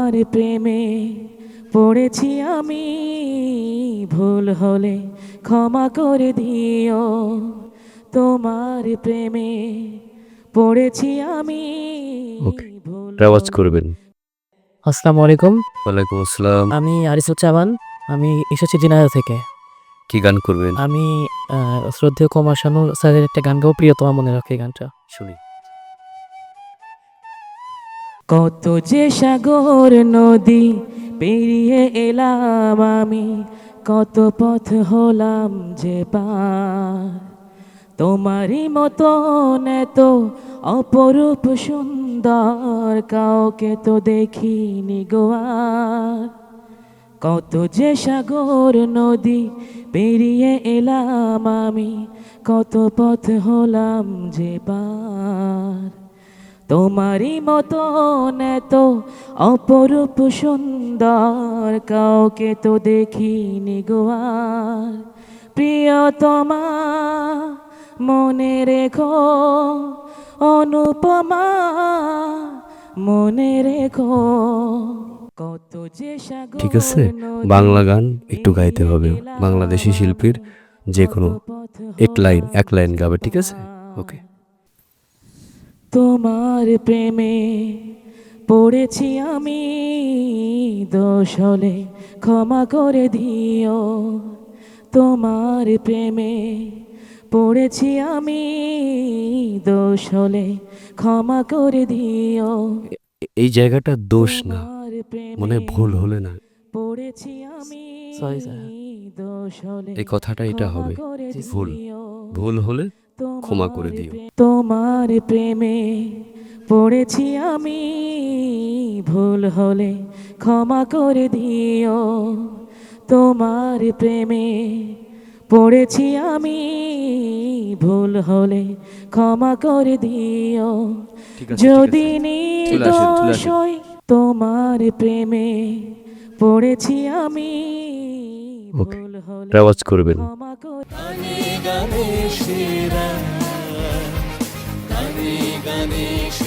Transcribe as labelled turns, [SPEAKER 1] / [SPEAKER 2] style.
[SPEAKER 1] তোমার প্রেমে পড়েছি আমি, ভুল হলে ক্ষমা করে দিও। তোমার প্রেমে পড়েছি আমি,
[SPEAKER 2] ওকে,
[SPEAKER 1] ভুল
[SPEAKER 2] রেওয়াজ
[SPEAKER 1] হলে
[SPEAKER 2] করবেন।
[SPEAKER 3] আসসালামু আলাইকুম।
[SPEAKER 2] ওয়ালাইকুম আসসালাম।
[SPEAKER 3] আমি আরিসুজ্জামান। আমি এসেছি ঝিনাইদহ থেকে।
[SPEAKER 2] কি গান করবেন?
[SPEAKER 3] আমি শ্রদ্ধেয় কুমার শানু স্যারের একটা গান গাবো, প্রিয়তমা মনে রাখে গানটা।
[SPEAKER 2] শুনি।
[SPEAKER 1] কত যে সাগর নদী পেরিয়ে এলাম আমি, কত পথ হলাম যে পার। তোমারই মতন এত অপরূপ সুন্দর কাউকে তো দেখিনি গো আর। কত যে সাগর নদী পেরিয়ে এলাম আমি, কত পথ হলাম যে পার। তোমারই মতন এত অপরূপ সুন্দর কাউকে তো দেখিনি গো আর। প্রিয়তমা মনে রেখো, অনুপমা মনে রেখো, কত যে সাগর
[SPEAKER 2] ঠিক আছে,
[SPEAKER 1] নদী
[SPEAKER 2] বাংলা গান একটু গাইতে
[SPEAKER 1] পেরিয়ে
[SPEAKER 2] হবে।
[SPEAKER 1] গেলাম
[SPEAKER 2] বাংলাদেশি শিল্পীর
[SPEAKER 1] আমি,
[SPEAKER 2] যে
[SPEAKER 1] কত
[SPEAKER 2] কোনো
[SPEAKER 1] পথ
[SPEAKER 2] এক
[SPEAKER 1] হলাম
[SPEAKER 2] লাইন
[SPEAKER 1] যে
[SPEAKER 2] গাবে, ঠিক আছে?
[SPEAKER 1] পার।
[SPEAKER 2] ওকে।
[SPEAKER 1] তোমার প্রেমে পড়েছি আমি, দোষ হলে ক্ষমা করে দিও। তোমার প্রেমে পড়েছি আমি, দোষ হলে ক্ষমা করে দিও।
[SPEAKER 2] এই জায়গাটা দোষ না,
[SPEAKER 1] তোমার
[SPEAKER 2] মনে
[SPEAKER 1] প্রেমে
[SPEAKER 2] ভুল হলে না,
[SPEAKER 1] পড়েছি আমি,
[SPEAKER 3] সরি স্যার।
[SPEAKER 1] দোষ হলে
[SPEAKER 2] এই কথাটা এটা
[SPEAKER 1] ক্ষমা
[SPEAKER 2] হবে।
[SPEAKER 1] করে
[SPEAKER 2] ভুল
[SPEAKER 1] দিও।
[SPEAKER 2] ভুল হলে ক্ষমা করে দিও।
[SPEAKER 1] তোমার প্রেমে পড়েছি আমি, ভুল হলে ক্ষমা করে দিও। তোমার প্রেমে পড়েছি আমি, ভুল হলে ক্ষমা করে দিও।
[SPEAKER 2] ঠিক আছে,
[SPEAKER 1] যদি
[SPEAKER 2] চলে আসেন, চলে
[SPEAKER 1] নির্দোষ
[SPEAKER 2] আসেন।
[SPEAKER 1] হই, তোমার প্রেমে পড়েছি আমি,
[SPEAKER 2] ওকে,
[SPEAKER 1] ভুল হলে
[SPEAKER 2] রেওয়াজ করবেন।
[SPEAKER 1] ক্ষমা করে
[SPEAKER 4] গানে গানে সেরা, গানে গানে